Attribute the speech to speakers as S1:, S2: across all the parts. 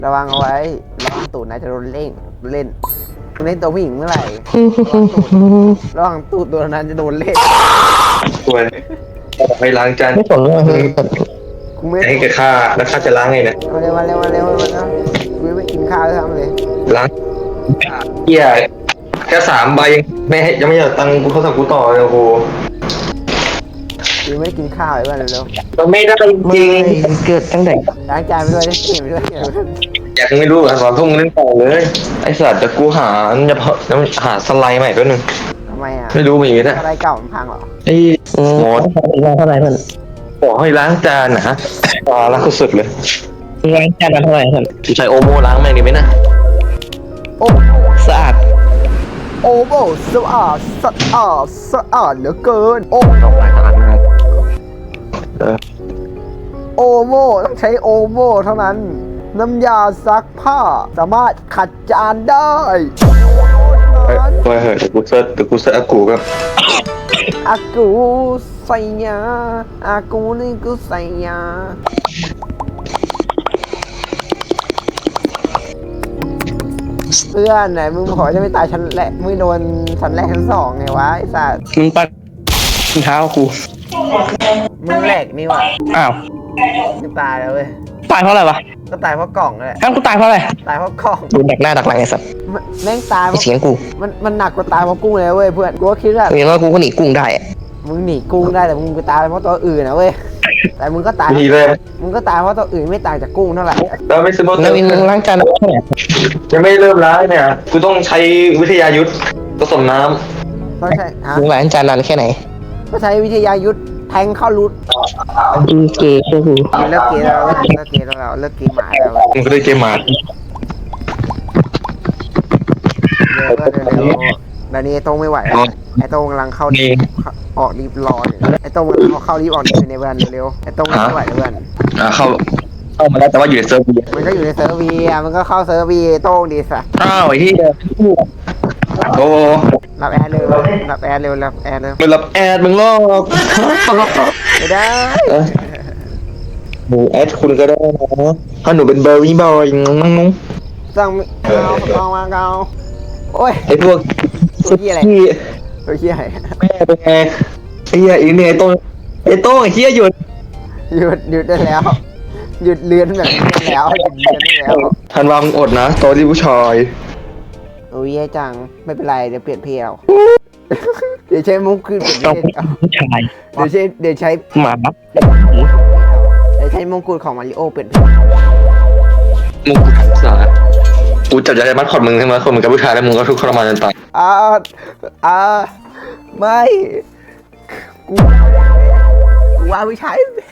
S1: ระวังเอาไว้ระวังตูดนายจะโดนเล่นตัวผู้หญิงเมื่อไหร่ระวังตูดตัวนั้นจะโดนเล่น
S2: สวยไปล้างจาน
S3: ไม่สนเลย
S1: กูไม่
S2: ให้กับข้าแล้วข้าจะล้างไงเนี่ย
S1: มาเร็วกูไม่กินข้าวเลยทำเลย
S2: ล้างเหี้ยแค่3 ใบไม่ให้ยังไม่อยากตังกูเขาสั่งกูต่อเลยโอ้โห
S1: กูไม่กินข้าวเลยว่าเร็ว
S2: มันไม่ได้จริง
S3: เกิดตั้งแต่
S1: ล้างจานไปด้วยเล่นเกมไปด้วย
S2: อยากไม่รู้อ่ะสอนทุ่งเล่นต่อเลยไอสัตว์แต่กูหาหาสไลด์ใหม่แป๊บนึง
S1: ทำไมอ่ะ
S2: ไม่รู้มีนะ
S1: อะไรเก่ามันพังเหรอ
S2: ไอ้หมอ
S3: เท่าไหร่เพื่อน
S2: บอกให้ล้างจานนะล้างสุดเลย
S3: ล้างจานเท่าไหร่เพื่อน
S2: ใช้โอโมล้างแม่งดีไหมนะ
S1: โอ้
S3: สะอาด
S1: โอ้โหสะอาดเหลือเกินโอ้
S2: ลองล้างจานนะ
S1: โอโมต้องใช้โอโมเท่านั้นน้ำยาซักผ้าสามารถขัดจานได้
S2: เฮ้ยเดี๋ยวกูเซิร์ชอากูครับ
S1: อากูใส่ยาอากูนี่กูใส่ยาเพื่อนไหนมึงขอจะไม่ตายชั้นแรกมึงโดนชั้นแรกชั้นสองไงวะไอ้สัส
S3: มึงปัดเท้ากู
S1: มึงแหลกนี่วะ
S3: อ้าว
S1: มึงตายแล้วเว้ย
S3: ตายเพราะอะไรวะ
S1: ก็ตายเพราะกล่องแหละ
S3: อ้าวกูตายเพราะอะไร
S1: ตายเพราะกล่อง
S3: โดนดักหน้าดักหลังไอ้สัส
S1: แม่งตายเพ
S3: ไอ้
S1: ราะ
S3: เสียงกู
S1: มันหนักกว่าตายเพราะกุ้งเลยเว้ยเพื่อนกูก็คิดว่า
S3: เห็นว่ากูก็หนีกุ้งได้อะ
S1: มึงหนีกุ้งได้แต่มึงไปตายเพราะตัวอื่นนะเว้ยแต่มึงก็ตาย
S2: มีเลย
S1: มึงก็ตายเพราะตัวอื่นไม่ต่างจากกุ้งเท่าไหร่
S2: แล้วไม่ซื้อโมเตอ
S3: แล้ว
S2: ร์
S3: มึงล้างจานแล้วเนี่ย
S2: ยังไม่เริ่มล้างเนี่ยกูต้องใช้วิทยายุทธผสมน้
S1: ต้องใช้ฮะ
S3: มึงล้างจานนานแค่ไหน
S1: ก็ใช้วิทยายุทธแทงเข้ารูท
S3: อีเกย์คือกู
S1: เลิกเกย์แล้วเลิกเกย์แล้วเลิกเกย์หมาแล้ว
S2: ำมึงก็ได้เกมมา
S1: เร็วก็เร็วเดี๋ยวนี้ไอ้โต้งไม่ไหวแล้วไอ้โต้งกำลังเข้ารีบออกรีบรออยู่ไอ้โต้งกำลังเข้ารีบออกรีบในเพื่อนเร็วไอ้โต้งไม่ไหวแล้วเพื่อน
S2: เข้ามาแล้วแต่ว่าอยู่ในเซิร์ฟเวอร์
S1: มันก็อยู่ในเซิร์ฟวีอ่ะมันก็เข้าเซิร์ฟวีโต้งดีสัส
S2: อ้าวไอ้ที่โอ้
S1: รับแอร์เร็วรับแอร์เร็วรับแอร์เร็ว
S2: มึงรับแอดมึงลอก
S1: ไม่ได้
S2: หนูแอดคุณก็ได้นะถ้าหนูเป็นเบอร์รี่บอยงง
S1: สั่งเอามาเอาโอ้ย
S2: ไอ้พวก
S1: ตัวเหี้ยอะไร
S2: ที่
S1: ตัวเหี้ยอะไร
S2: แม่เป็นไงไอ้เหี้ยอีเนี่ยไอ้โต้ไอ้เหี้ยหยุด
S1: หยุดได้แล้ว หยุดเลือนแบบนี้ได้แล้วหยุดเลือนได้แล้ว
S2: ทันวางอดนะโตที่ผู้ชาย
S1: โอ้ยแย่จังไม่เป็นไรเดี๋ยวเปลี่ยนเพลงเอาเดี๋ยวใช้มุกขึ้นเปลี่ยนเพ
S3: ต้อง
S1: ลงเอา
S3: ผู้ชาย
S1: เดี๋ยวใช้
S3: หมานับ
S1: เดี๋ยวใช้มงกุฎของมาริโอเปลี่ยนเพลง
S2: มึงสากูจับใจมัดคอดมึงใช่ไหมคนมึงกับผู้ชายแล้วมึงก็ทุกข์ทรมานจนตาย
S1: ไม่กูว่าไม่ใช่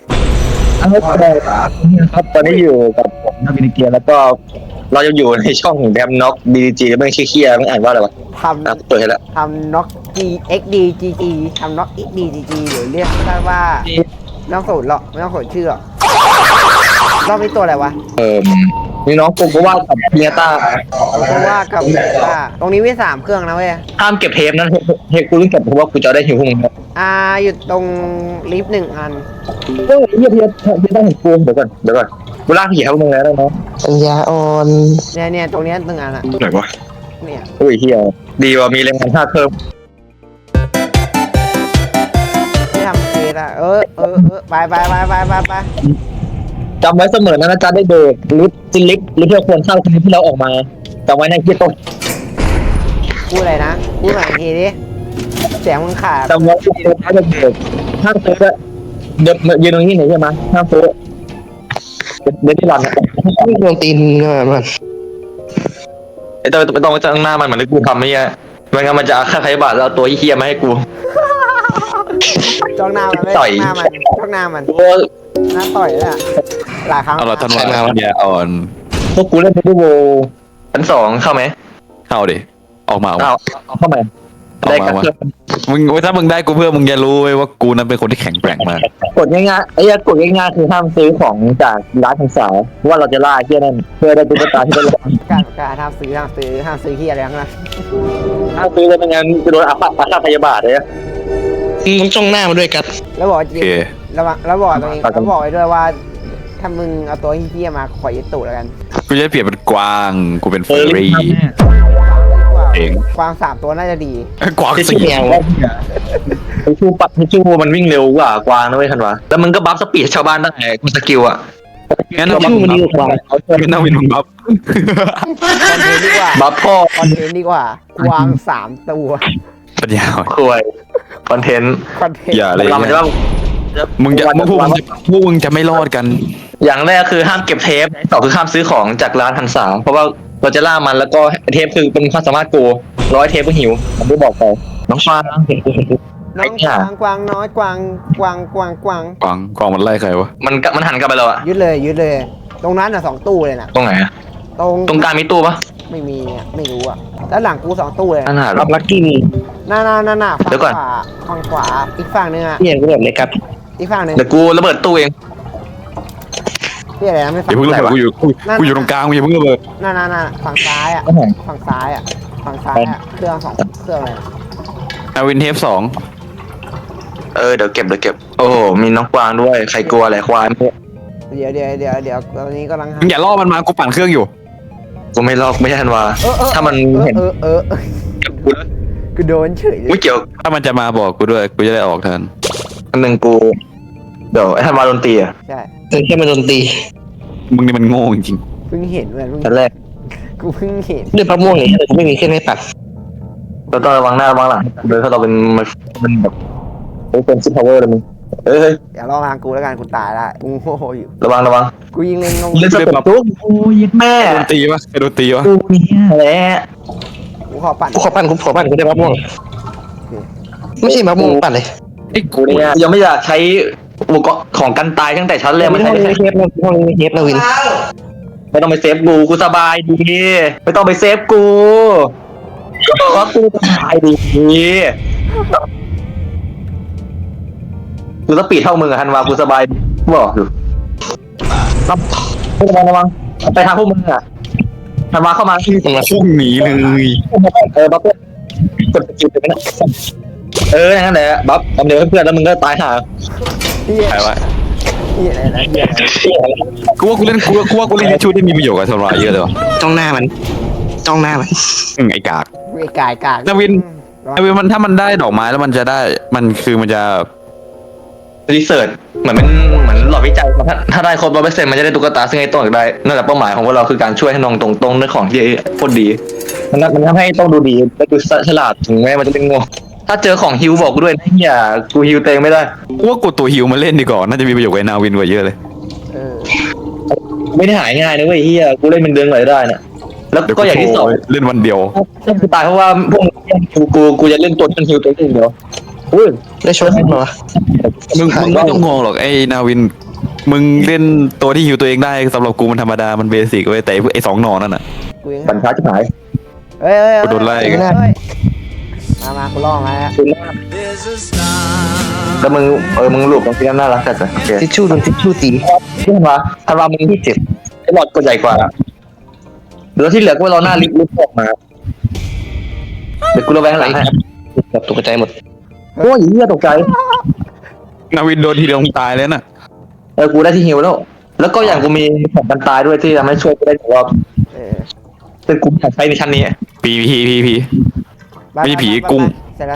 S2: ครับตอนนี้อยู่กับผมนักวินิเกียแล้วก็เราจะอยู่ในช่องแดมน็อกดีจีไม่ใช่เคียไม่อ่านว่าอะไรวะ
S1: ท
S2: เปิดให้แล้ว
S1: ำน็อก XDทำน็อก XD หรือเรียกสั้นว่าไม่ต้องสนหรอกไม่ต้องสนชื่อหรอกรอบนี้ตัวอะไรวะ
S2: นี่น้องกูก็ว่ากับเมียต้า
S1: เพราะว่ากับตรงนี้มี3เครื่องนะเว้ย
S2: ห้ามเก็บเทปนั้นเทปกูต้องเก็บเพราะว่ากูจะได้หิวพวกมึง
S1: อยู่ตรงลิฟต์1 อัน
S2: เฮ้ยเทียบต้องเห็นกูเดี๋ยวก่อนกูลากผีให้พวกมึงแล้วเนาะ
S3: ปัญญาอ่อน
S1: เนี่ยตรงเนี้ย1 อันอะ
S2: ไหนวะ
S1: เนี่ย
S2: โอ้ยเฮียดีว่ามีแรงงานค่าเพิ่ม
S1: ที่ทำเกตอะไป
S2: จำไว้เสมอนะจ๊ะได้เบรกลิฟต์ที่เราควรเข้าคือที่เราออกมาจำไว้นะเฮียต้น
S1: พูดอะไรนะพูดหน่อยอีกทีดิเสียงมึงขาด
S2: จำไว้ที่เราได้เบรกห้ามซื้อด้วยเดี๋ยวยืนตรงนี้ไหนใช่ไหมห้ามซื้อเดี๋ยวที่หลัง
S3: ไม่โดนตีนมัน
S2: ไอ้ตัวไม่ต้องจ้างหน้ามันเหมือนที่กูทำไม่ใช่ไม่งั้นมันจะฆ่าใครบาทแล้วตัวเฮียมาให้กู
S1: จ้องหน้ามันไม่
S2: ต่อย
S1: จ้องหน้ามัน
S2: โอ้
S1: หน้าต่อยเลยอะหลายครั้ง
S4: เอาเราทันวันเนี่ยอ่อน
S2: พวกกูเล่นเป็นโวชั้น2เข้าไหม
S4: เข้าดิออกมา
S2: เข้าไหมได้กับเพื่อน
S4: มึงถ้ามึงได้กูเพื่อมึงจะรู้เว้ยว่ากูนั้นเป็นคนที่แข็งแกร่งมาก
S2: กดง่ายๆไอ้ยกดง่ายๆคือห้ามซื้อของจากร้านของสาวว่าเราจะล่าเฮียนั่นเพื่อได้ตุ๊กตาที่เป็น
S1: การห้ามซื้อเฮียอะไรทั้งนั้น
S2: ถ้าซื้อแล้วไม่งั้นจะโดนอาฆาตพยาบาทเลย
S3: มึงจ้องหน้ามาด้วยกัน
S1: แล้วบอกจ
S4: โอ
S1: ริง
S4: เค
S1: แล้วบอกตัวเองแล้วบอกไว้ด้วยว่าถ้ามึงเอาตัวเฮี้ยมาขอยึดตูดแล้วกัน
S4: กูจะเปลี่ยนเป็นกวางกูเป็นเฟอร์รี่ เอง
S1: กวาง3 ตัวน่าจะดี
S4: กวาง
S2: ที่
S4: สี่
S2: ชื่อแมวที่ชื่อปัดที่ชื่อมันวิ่งเร็วกว่ากวางนะเว้ยทันวะแล้วมึงก็บัฟสปีดชาวบ้านได้กูสกิลอ่ะ
S4: งั้นเรา
S3: ชื่อมันดีกว่า
S4: งั้นเราเป็นบัฟ
S1: คอนเทนต์ดีกว่า
S2: บัฟพ่อ
S1: คอนเทนต์ดีกว่ากวาง3 ตัว
S4: ปัญญาอ่อน
S2: ควยคอนเทนต์
S1: คอนเทนต์
S4: อย่าเลย
S2: เรามันจะว่า
S4: มึงจะพวกมึงจะไม่รอดกัน
S2: อย่างแรกคือห้ามเก็บเทปต่อคือห้ามซื้อของจากร้านหันสามเพราะว่าเราจะล่ามันแล้วก็เทปคือเป็นความสามารถกู100 เทปก็หิวผมไม่บอกไปน้องฟาง
S1: น้องกวางน้อยกวาง
S4: กวางมันไล่ใครวะ
S2: มันหันกลับไปแล้วอะ
S1: ยึดเลย ตรงนั้น2 ตู้เลยนะ
S2: ตรงไหนอะ
S1: ตรง
S2: ตรงกลางมีตู้ปะ
S1: ไม่มีอ่ะไม่รู้อ่ะแล้วหลังกู2 ตู้เลย
S2: อันหา
S3: รับลักกี้มี
S1: หน้าฝั่
S2: เดี๋ยวก่อน
S1: ฝั่งขวาอีกฝั่งนึงอ่ะ
S3: เที่ยงก็แบบเลยครับ
S1: อีกฝั่งนึง
S2: เดี๋ยวกูระเบิดตู้เอง
S1: พี่อะไรนะไม่
S4: อย่าเพิ่งระเบิดกูอยู่ตรงกลางอย่าเพิ่งระเบิด
S1: หน้าฝั่งซ้ายอ่ะฝั่งซ้ายอ่ะเครื่อง2 เครื่องเลย
S4: อาวินเทป2
S2: เดี๋ยวเก็บโอ้โหมีน้องกวางด้วยใครกลัวอะไรควาย
S1: เดี๋ยวตอนนี้กำลัง
S4: มึงอย่าล่อมันมากูปั่นเครื่องอยู่
S2: กูไม่ลอกไม่ใช่ธันวาถ้ามันเห็น
S1: กูโดนเฉย
S2: ไม่เกี่ยว
S4: ถ้ามันจะมาบอกกูด้วยกูจะได้ออกทัน
S2: อันหนึ่งกูเดี๋ยวไอ้ธันวาโดนตีอะ
S1: ใช่
S3: แค่มันโดนตี
S4: มึงนี่มันโง่จริง
S1: เพิ่งเห็นเหมือน
S2: แต่แรก
S1: กูเพิ่งเห็น
S3: เรื่องพระม่วงเนี่ยไม่มีเครื่องให้ปัด
S2: เราต้องระวังหน้าระวังหลังโดยถ้าเรามันแบบเป็นซิปพาวเวอร์เลยมึงเฮ้ย
S1: อย่าลองทางกูแล้วกันกูตายละกูโง่อยู่
S2: ระวัง
S1: กูยิงเล็งงง
S2: เล่นสเต็ปตุ๊กโอ้ยแม่
S4: ๆโดนตีวะใครโดนตีวะ
S2: กูเนี่ยแหละ
S1: กูขอปั่น
S3: กูขอปั่นกูได้พระม่วงไม่ใช่พระม่วงปั่นเลย
S4: ไอ้กู
S2: กูเนี่ยยังไม่อยากใช้อุปกรณ์ของกันตายตั้งแต่ชั้นแรก
S3: ไม่
S2: มัน
S3: ต้
S2: ใช้
S3: อง
S2: ได้
S3: มีเทปนะห้องนี้มีเทปนะวิน
S2: ไม่ต้องไปเซฟกูสบายดีไม่ต้องไปเซฟกูเพราะกูสบายดีกูสปีดเท่ามึงอะธันวากูสบายบอกอยู่ระวังไปทางพวกมึงอะธันวาเข้ามาที่
S4: พุ่งหนีเลย
S2: บัฟกดสกิลไปนะนั่นแหละบัฟทำเดี๋ยวเพื่อนแล้วมึงก็ตายห่า
S4: ใครวะ
S1: พี่อะไรนะพี่อะไร
S4: กูว่ากูเล่นชุดที่มีประโยชน์กับทรายเยอะเลยวะ
S3: จ้องหน้ามัน
S4: ไอ้กาก
S1: ไอ้กาย
S4: นาวินมันถ้ามันได้ดอกไม้แล้วมันจะได้มันจะ
S2: รีเสิร์ชเหมือนหลอดวิจัยถ้าได้ครบ100%มันจะได้ตุ๊กตาซึ่งไอ้ต้องอยากได้นั่นแหละเป้าหมายของพวกเราคือการช่วยให้น้องตรงๆด้วยของที่โคตรดีมันทำให้ต้องดูดีและดูฉลาดถึงแม้มันจะเป็นโง่ถ้าเจอของฮิวบอกกูด้วยนะอย่ากูฮิวเตงไม่ได้
S4: กูว่ากดตัวฮิวมาเล่นดีกว่าน่าจะมีประโยชน์กับนาวินกว่าเยอะเลย
S2: ไม่ได้หายง่ายนะเว้ยเฮียกูเล่นเป็นเดือนกว่าจะได้นะแล้วก็อย่างที่สอง
S4: เล่นวันเดียว
S2: ถ้ากูตายเพราะว่าพวกกูจะเล่นตัวที่ฮิวตัวเองเดียวอุ้ย
S3: ได้ช่วยขึ้นมาวะ
S4: มึงไม่ต้องงงหรอกไอ้นาวินมึงเล่นตัวที่ฮิวตัวเองได้สำหรับกูมันธรรมดามันเบสิกเว้ยแต่ไอ้2 หนอนนั่นน่ะ
S1: กูยัง
S2: บันทัดจะหาย
S1: เฮ้ย
S4: โดนไล่
S1: มากูล่องแล้ว
S2: แล้วมึงหลุดตรงที่น่ารักจัดเลยโอเค
S3: ทิชชู่โดนทิชชู่ตี
S2: ที่ธันวามึงที่ไอ้หลอดก็ใหญ่กว่าแล้วที่เหลือก็เราหน้าลิฟต์ออกมาเดี๋ยวกูระแวงหลังให้
S3: แบบตกใจหมด
S2: โอ้ยเหี้ยตกใจ
S4: นาวินโดนทีเดียวตายเลยน่ะ
S2: กูได้ที่ฮิวแล้วก็อย่างกูมีของกันตายด้วยที่ทำให้ช่วยกูได้รอบซึ่งกูใช้ในชั้นนี้
S4: พีไม่ใช่ผีกุ้ง
S1: เสร็จแล้ว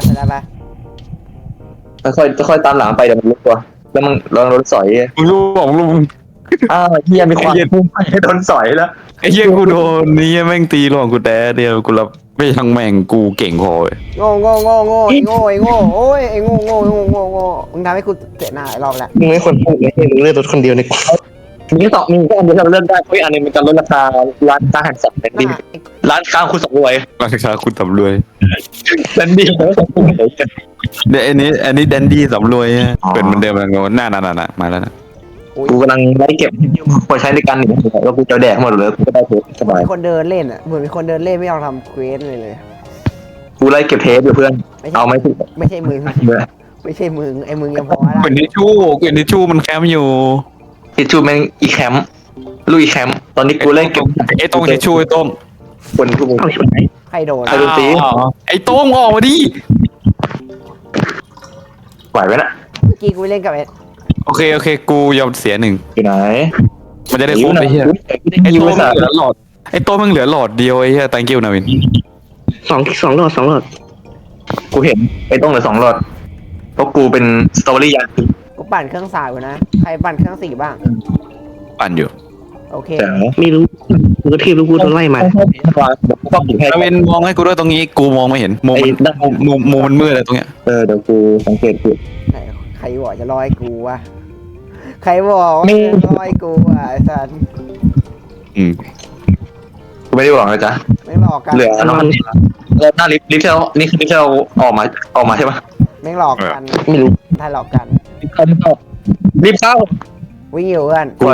S1: ไป
S2: ค่อยตามหลังไปเดี๋ยวมันลุกตัวแล้วมึงลองโดนสอย
S4: มึงรู้บอกมึง
S2: อ้าวเฮียมีความพุ่งไปโดนสอยแล้ว
S4: ไอ้เหี้ยกูโดนนี่แม่งตีหลอกกูแต่เดียวกูรับไม่ทั้งแม่งกูเก่งพอเว้ย
S1: โง่โอ้ยไอ้โง่มึงทำให้กูเสียหน้าหลายรอบแล้ว
S3: มึงไม่ควรพูดเลยมึงเลือกรถคนเดียวเนี่ย
S2: มีแค่อันเดียวที่เราเลือกได้เพราะอันนึงมันจะลดราคาร้านค้าหันสัตว์เป็นดีร้านค้าคุณสำรวย
S4: ราชาคุณสำรวย
S2: เป็นดีแล้วสำรวย
S4: เดี๋ยวอันนี้แดนดี้สำรวยเป็นเหมือนเดิมแล้วหน้ามาแล้วนะ
S2: กูกำลังไล่เก็บพอใช้ในการหนีแล้วกูจะแดกหมดเลยกูก็ได้เทปสบาย
S1: มีคนเดินเล่นอ่ะเหมือนมีคนเดินเล่นไม่ยอมทำเควสเลย
S2: กูไล่เก็บเทปอยู่เพื่อนเอาไม่ถูก
S1: ไม่ใช่มึงไอ้มึงยังพอได้
S4: เป็นทิชชู่มันแคมอยู่
S2: ทิชชูแม่งอีแคมป์ลุยแคมป์ตอนนี้กูไล่เก็บ
S4: ไอ้โต้งทิชชู่ไอ้โต้ง
S2: คนกู
S1: ใครโดน
S2: ไอ้ดนตรี
S4: ไอ้โต้งออกมาดิ
S2: ไหวไหมนะ
S1: เมื่อกี้กูเล่นกับไอ้
S4: โอเคกูยอมเสียหนึ่ง
S2: อยู่ไหน
S4: มันจะได้ครบไอ้เหี้ยไอ้โต้มึงเหลือหลอดไอ้โต้มึงเหลือหลอดเดียวไอ้เหี้ย thank you นาวิน
S3: สองหลอด
S2: กูเห็นไอ้ต้องเหลือ2 หลอดเพราะกูเป็นสตรอเบอรี่ยัน
S1: กูปั่นเครื่องสายอยู่นะใครปั่นเครื่อง4บ้าง
S4: ปั่นอยู่
S1: โอเค
S2: แต่
S3: ไม่รู้กูก็ทีบรู้กูโดนไล่มา
S2: กูก็ผิดให้
S4: นาวินมองให้กูด้วยตรงนี้กูมองไม่เห็นมุมมันมุมมันมืดเลยตรงเนี้ย
S2: เดี๋ยวกูสังเกตดู
S1: ไหนใครบอกจะรอให้กูวะใครบอกว่า
S2: ไม่
S1: จะรอให้กูอ่ะไอ้สัน
S4: อืม
S2: กูไม่ได้บอกเลยจ้ะ
S1: ไม่หลอกกัน
S2: เหลือน้ำมันหน้าลิฟต์ที่เรานี่คือลิฟต์ที่เราออกมาใช่ปะ
S1: ไม่หลอกกัน
S3: ไม่รู้
S1: ถ้าหลอกกัน
S2: ลิฟต์เข้า
S1: วิ่งอยู่เพื่อน
S4: กู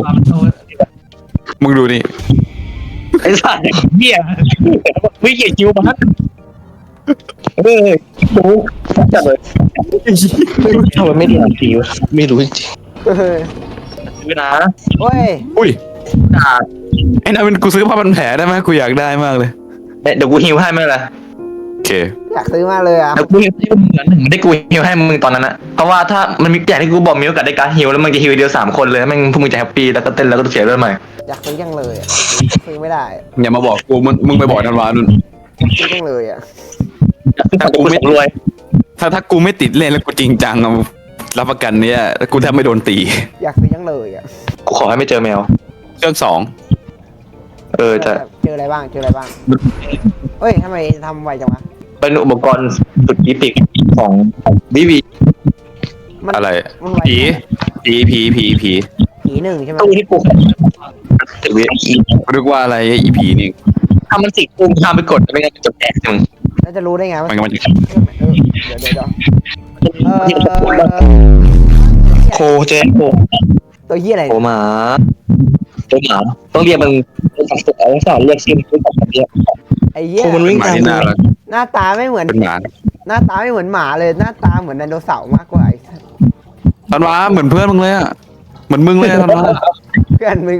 S4: มึงดูนี่
S2: ไอ้สัตว์เหี้ยวิ่งเกี่ยคิวมาโอ้จัดเลย
S3: ทำไมไม่ได้อ่านสีวะไม่รู้จริง
S1: เฮ้ย
S2: ซื้อนะ
S1: เฮ้ย
S4: อุ้ย
S2: อ่า
S4: ไอ้นาวินกูซื้อผ้าพันแผลได้ไหมกูอยากได้มากเลย
S2: เดี๋ยวกูฮิวให้ไม่เป็นไร
S4: โอเค
S1: อยากซื้อมากเลยอ่ะ
S2: เดี๋ยวกูฮิวให้มึง1ได้กูฮิวให้มึงตอนนั้นนะเพราะว่าถ้ามันมีอย่างที่กูบอกมีโอกาสได้การฮิวแล้วมึงจะฮิวเดียว3 คนเลยแม่งพวกมึงจะแฮปปี้แล้วก็เต้นแล้วก็เสียเรื่องใหม่
S1: อยากซื้อยังเลยอ่ะซื้อไม่ได้
S4: อย่ามาบอกกูมึงไปบอกนันวานุ่น
S1: ซื้อยังเลยอ่ะ
S2: ถ้ากูไม่รวย
S4: ถ้ากูไม่ติดเล่นแล้วกูจริงจังอะรับประกันเนี่ยกูแทบไม่โดนตี
S1: อยากซื้อยังเลยอ่ะ
S2: กูขอให้ไม่เจอแมว
S4: เครื่อง2
S2: จะ
S1: เจออะไรบ้างเฮ้ยทำไมทำไวจังวะ
S2: เป็นอุปกรณ์สุดอีพิกของวิวี
S1: มัน
S4: อะไร
S1: มันไว
S4: ผี
S1: ผีหนึ่งใช่ไหม
S2: ตู้ที่กูถึงวิ
S4: กูนึกว่าอะไรอีผีนี่
S2: ถ้ามันติดกูห้ามไปกดไม่งั้นจะแตกมึง
S1: แล้วจะรู้ได้ไงว่า
S4: มันก็มัน
S1: เดี๋ยว
S3: โคเจ๊โค
S1: ตัวเหี้ยอะไร
S2: โอหมาตัวหมาต้องเรียกมึงต้องสอนเรียกชื่อมึงของมันเรียก
S1: ไอ้เหี้ย
S3: โคมันวิ่ง
S4: หมา
S3: ตาม
S4: ที่
S3: กู
S4: น่ารัก
S1: หน้าตาไม่เหมือน
S4: เป็นหมา
S1: หน้าตาไม่เหมือนหมาเลยหน้าตาเหมือนไดโนเสาร์มากกว่าไอ้
S4: ธันวาเหมือนเพื่อนมึงเลยอะเหมือนมึงเลยอะธันวา
S1: เพื่อนมึงก็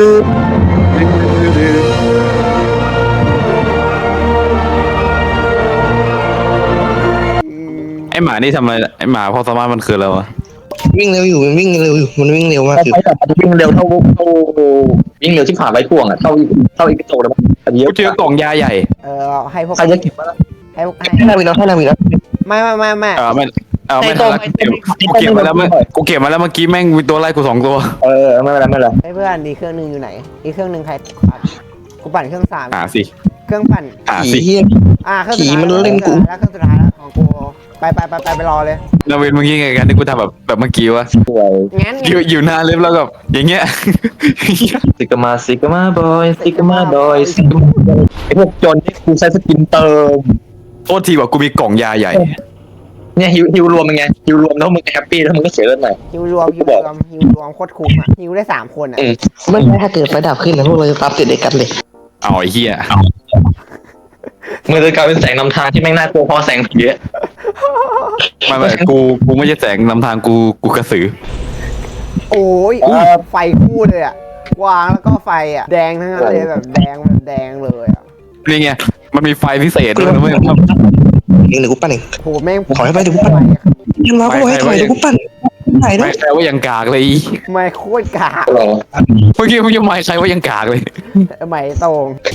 S4: ไอหมานี่ทำอะไรไอหมาพอสามารถมันคืออะไรวะ
S3: วิ่งเร็วอยู่มันวิ่งเร็วอยู่มันวิ่งเร็วมากอยู่
S2: ไปแบบวิ่งเร็วเท่าวิ่งเร็วที่ผ่านไว้พ่วงอ่ะเท่าอีกโตแล้วเย
S4: กู
S2: อะ
S4: เจอกล่องยาใหญ่
S1: ให้พวก
S2: ใครจะเก็บมา
S3: ให้นาวินแล้วให้นาวินแล้ว
S1: ไม่
S4: ไม่ทันละกูเก็บมาแล้วกูเก็บมาแล้วเมื่อกี้แม่งมีตัวไล่กู2 ตัว
S2: ไม่เป็นไรไม่เป็นไร
S1: ให้เพื่อนดีเครื่องหนึงอยู่ไหนอีกเครื่องหนึงใครปั่นกูปั่นเครื่อง3
S4: หาสิ
S1: เครื่องปั่น
S4: หา
S3: ผี
S4: สิ
S3: เฮีย
S1: เครื่อง
S3: ผีมันเล่นกู
S1: แล้วเครื่องสุดท้ายแล้วของกูไปรอเลย
S4: นาวินเมื่อกี้ไงกันที่กูทำแบบเมื่อกี้วะ
S2: สวย
S1: งั้น
S4: อยู่หน้าเล็บแล้วแบบอย่างเงี้ย
S2: ซิกมาบอยไอพวกจนที่กูใช้สกินเติม
S4: โทษทีว่ากูมีกล่องยาใหญ่
S2: เนี่ยฮิวรวมเป็นไงฮิวรวมแล้วมึงแฮปปี้แล้วมึงก็เสียเลือดหน่อย
S1: ฮิวรวมโคตรคุ้มอ่ะฮิวได้3 คนอ่ะ
S3: ไม่ใช่ถ้าเกิดไฟดับขึ้นนะพวกเราจะตามติดเด็กกันเลย
S4: เอาไอ้เหี้ย
S2: มึงจะกลายเป็นแสงนำทางที่แม่งน่ากลัวพอแสงผีอะ
S4: ไม่กูไม่ใช่แสงนำทางกูกระสือ
S1: โอ้ยไฟคู่เลยอ่ะวางแล้วก็ไฟอ่ะแดงทั้งนั้นเลยแบบแดงเลยอ่ะ
S4: นี่ไงมันมีไฟพิเศษด้วยนะเว้ย
S3: เดี๋ยวกูปั้นเอง
S1: โหแม่ง
S3: ขอให้ไปเดี๋ยวกูปั้นยังมากูให้ถอยเดี๋ยวกูปั้นไหนด้ว
S4: ไม่
S3: ย
S4: ใครว่ายังกากเลย
S1: ไม่โคตรกาก
S2: หรอ
S4: เมื่อกี้มึงยังไม่ใครว่ายังกากเลย
S1: ไม่ตรง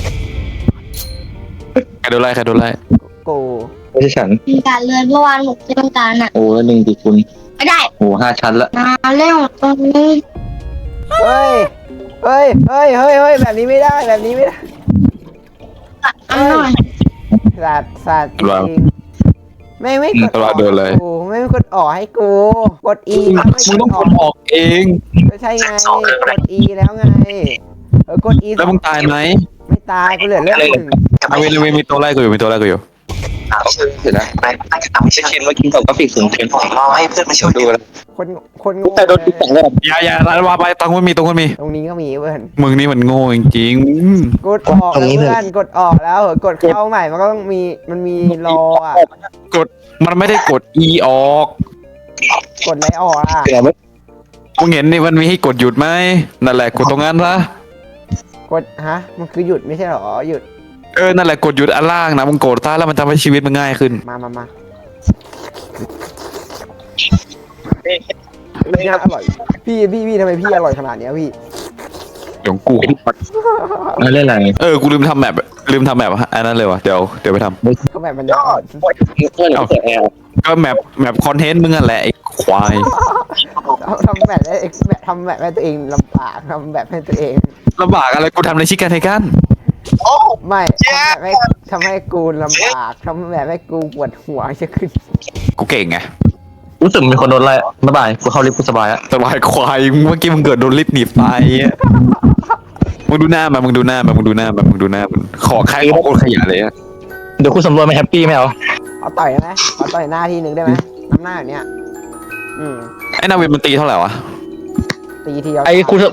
S4: ใครโดนไล่
S1: กู
S2: ไม่ใช่ฉัน
S5: มีการเลื่อนเมื่อวานหนูเล่นการอ่ะ
S2: โอ้แล้วหนึ่งดีคุณ
S5: ไม่ได้
S2: โอ้5 ชั้นละ
S5: มาเล่นตรงนี้
S1: เฮ้ยแบบนี้ไม่ได้
S5: อ่ะอ่ะ
S1: สัตว์จริงไม่กด
S4: ตลอดเดินเลย
S1: กูไม่กดออกให้กูกด E
S4: มึงต้องกดออกเอง
S1: ก็ใช่ไงกด E แล้วไงกด E
S4: แล้วมึงตายไหม
S1: ไม่ตายกูเหลือเลือดหนึ่ง
S4: เอาเวมีตัวไล่กูอยู่เ
S2: เห็นนะจะชินว่ากินกับกราฟิกสูงเกินผมรอให้เพื่อนมาช่วยดูแล้ว
S1: คนโง่
S2: แต่โดนติดแต่งเลย
S4: อย่าร้านวาไปตรงนู้นมี
S1: ตรงนี้ก็มีเพื่อน
S4: มึงนี่มันโง่จริง
S1: กดออกแล้วเพื่อนกดออกแล้วกดเข้าใหม่มันก็ต้องมีรออ่ะ
S4: มันไม่ได้กด E ออก
S1: กดอะไรออกอ่ะ
S2: เดี๋ยวไม่
S4: มึงเห็นนี่มันมีให้กดหยุดไหมนั่นแหละกดตรงนั้นละ
S1: กดมันคือหยุดไม่ใช่หรอหยุด
S4: นั่นแหละกดหยุดอันล่างนะมึงกดท่าแล้วมันทำให้ชีวิตมันง่ายขึ้น
S1: มาน่าอร่อยพี่ทำไมพี่อร่อยขนาดเนี้ยพี่
S4: เดี๋ยวกู
S3: เล่นอะไร
S4: กูลืมทำแบบอันนั้นเลยวะเดี๋ยวไปทำ
S1: เขาแบบมันจะอ่อน
S4: ก็แมปคอนเทนต์มึงอ่ะแหละไอ้ควาย
S1: ทำแบบให้ตัวเองลำบากทำแบบให้ตัวเอง
S4: ลำบากอะไรกูทำในชิคกันไทกัน
S1: ไม่ทำให้กูลำบากทำแบบให้กูปวดหัวจะขึ้น
S4: กูเก่งไง
S2: รู้สึกมีคนโดนไล่บ๊ายบายกูเข้าลิฟต์กูสบายอะ
S4: สบายควายเมื่อกี้มึงเกิดโดนลิฟต์หนีบไปอะมึงดูหน้ามันขอใครขอคนขยะเลยอะ
S2: เดี๋ยวกูสำรวจไม่แฮปปี้ไม่เอา
S1: เอาต่อยได้ไหมเอาต่อยหน้าทีหนึ่งได้ไหมน้ำหน้าแบบเนี้ย
S4: ไอ้นาวินมันตีเท่าไหร่วะ
S1: ตีทีเดียว
S2: ไอ้กูจะ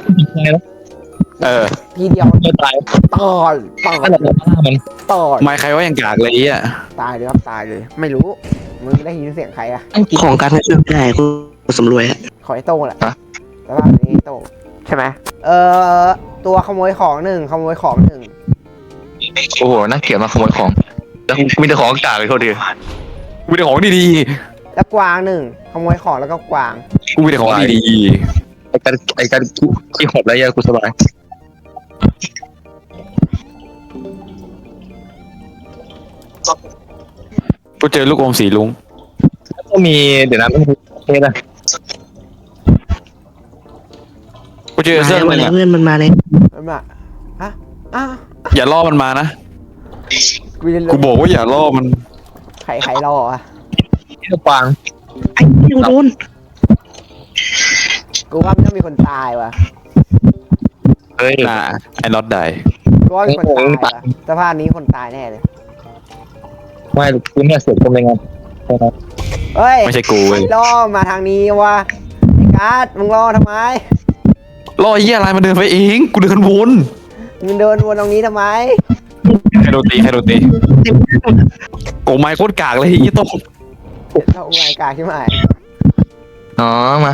S1: ทีเดียว
S2: จะตาย
S1: ต่อย
S2: นั่นแหละมัน
S1: ต่อย
S4: ไม่ใครว่ายังกากเลยอ่ะ
S1: ตายเลยครับตายเลย ไม่รู้มึงได้ยินเสียงใครอะ
S3: ของการไม่เชื่อได้กูสำรวยอะ
S1: ขอไอ้โต้งแหละแล้วก็นี่โต้งใช่ไหมตัวขโมยของหนึ่ง
S2: โอ้โหน่าเกลียดมาขโมยของแล้วมีแต่ของกากเลยโทษที
S4: กูมีแต่ของดี
S1: แล้วกวางหนึ่งขโมยของแล้วก็กวาง
S4: ๆกูมีแต่ของดี
S2: ไอ้การขี้หดแล้วยากูสบาย
S4: ๆกูเจอลูกอมสีลุง
S2: แล้วก็มีเดี๋ยวนะไม่มีเทสอะ
S4: กูเจอเสื้อ
S3: มา
S4: หนึ่ง
S3: แล้ว
S4: อะ
S3: เพื่อนมันมาเลย
S1: แล้วมาอ่ะ
S4: อย่าล่อมันมานะ
S1: กูจะ
S4: กูบอกว่าอย่าล่อมัน
S1: ใครรออ่ะ
S2: ที่กวาง
S3: ไอ้ที่โดน
S1: กูว่ามันต้องมีคนตายว่ะ
S2: เฮ้ย
S4: น่ะไอ้น็อตได้
S1: กูว่ามีคนตายว่ะสภาพนี้คนตายแน่เลย
S2: ไม่กูเนี่ยเสียคนในงาน
S1: เฮ้ย
S4: ไม่ใช่กูเว้ย
S1: ล่อมาทางนี้ว่ะไอ้การ์ดมึงล่อทำไม
S4: ล่อไอ้เหี้ยอะไรมันเดินไปเองกูเดินวน
S1: มึงเดินวนตรงนี้ทำไม
S4: ใครโดนตีโอ้ไม่โคตรกากเลยไอ้โต้ง
S1: เราอุไรกาใช่ไหม
S2: อ๋อมา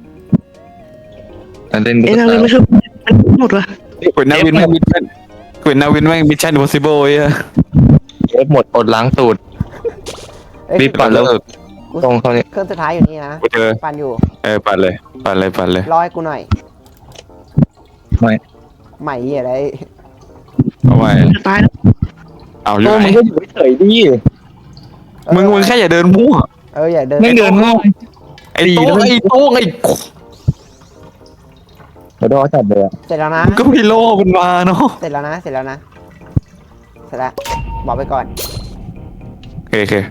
S2: เล่น
S3: ไอ้นางเลยไม่ช่วยหมดวะ
S4: กูนาวินแม่งมิชชั่นมิชชั่น impossible ไอ้เหี้ย
S2: เอฟหมดอดล้างตูด
S1: เอ้ย
S2: รีบปั่นแล้ว
S1: กู
S2: ตรงเขาเนี่ย
S1: เครื่องสุดท้ายอยู่นี่นะ
S4: กูเจอ
S1: ปั่นอยู่
S4: ปั่นเลย
S1: รอให้กูหน่อย
S2: ไม่
S1: ใหม่อะไร
S4: เอาไว้
S3: จะตายแล้ว
S4: เอาอยู่
S2: โต้
S4: ไหน
S2: มึงก็อยู่เฉยๆดิ
S4: มึงแค่อย่าเดินมั่ว
S1: อย่าเดิน
S2: ไม่เดินง่าย
S4: ไอ้โต้งไอ้
S2: เดี๋ยวโดนจับเลยอะ
S1: เสร็จแล้วนะ
S4: ก็ไม่โล่มันมาเนาะ
S1: เสร็จแล้วบอกไปก่อน
S4: โอเค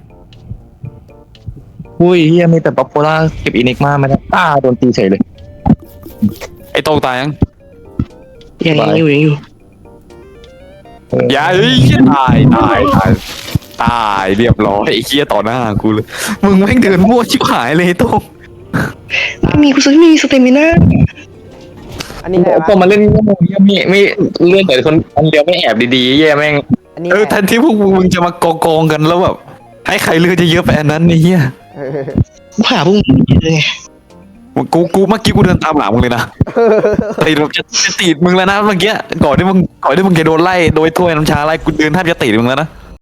S2: อุ้ยเฮียมีแต่ป๊อปปูล่าเก็บอินิกมาไม่ได้โดนตีเฉยเลย
S4: ไอ้โต้งตายยัง
S3: ยังอยู่
S4: อย่าเฮ้ยตายเรียบร้อยไอ้เหี้ยต่อหน้ากูเลยมึงแม่งเดินมั่วชิบหายเลยไอ้โต้ง
S3: ไม่มีกูซื้อไม่มีสเตมิน่า
S1: อันนี้อะไร
S2: พอ
S1: วะ
S2: มาเล่นไม่เลื่อนแต่คนเดียวไม่แอบดีๆแย่แม่ง
S1: อันนี้
S4: แทนที่พวกมึงจะมากองกันแล้วแบบให้ใครเลือกจะเยอะไปอันนั้นไอ้เหี้ย
S3: กูหาพวกมึงเลยไง
S4: กูเมื่อกี้กูเดินตามหลังมึงเลยนะตีแบบจะตีดมึงแล้วนะเมื่อกี้ก่อนที่มึงจะโดนไล่โดยถ้วยน้ำชาไล่กูเดินแทบจะตีดมึงแล้วนะ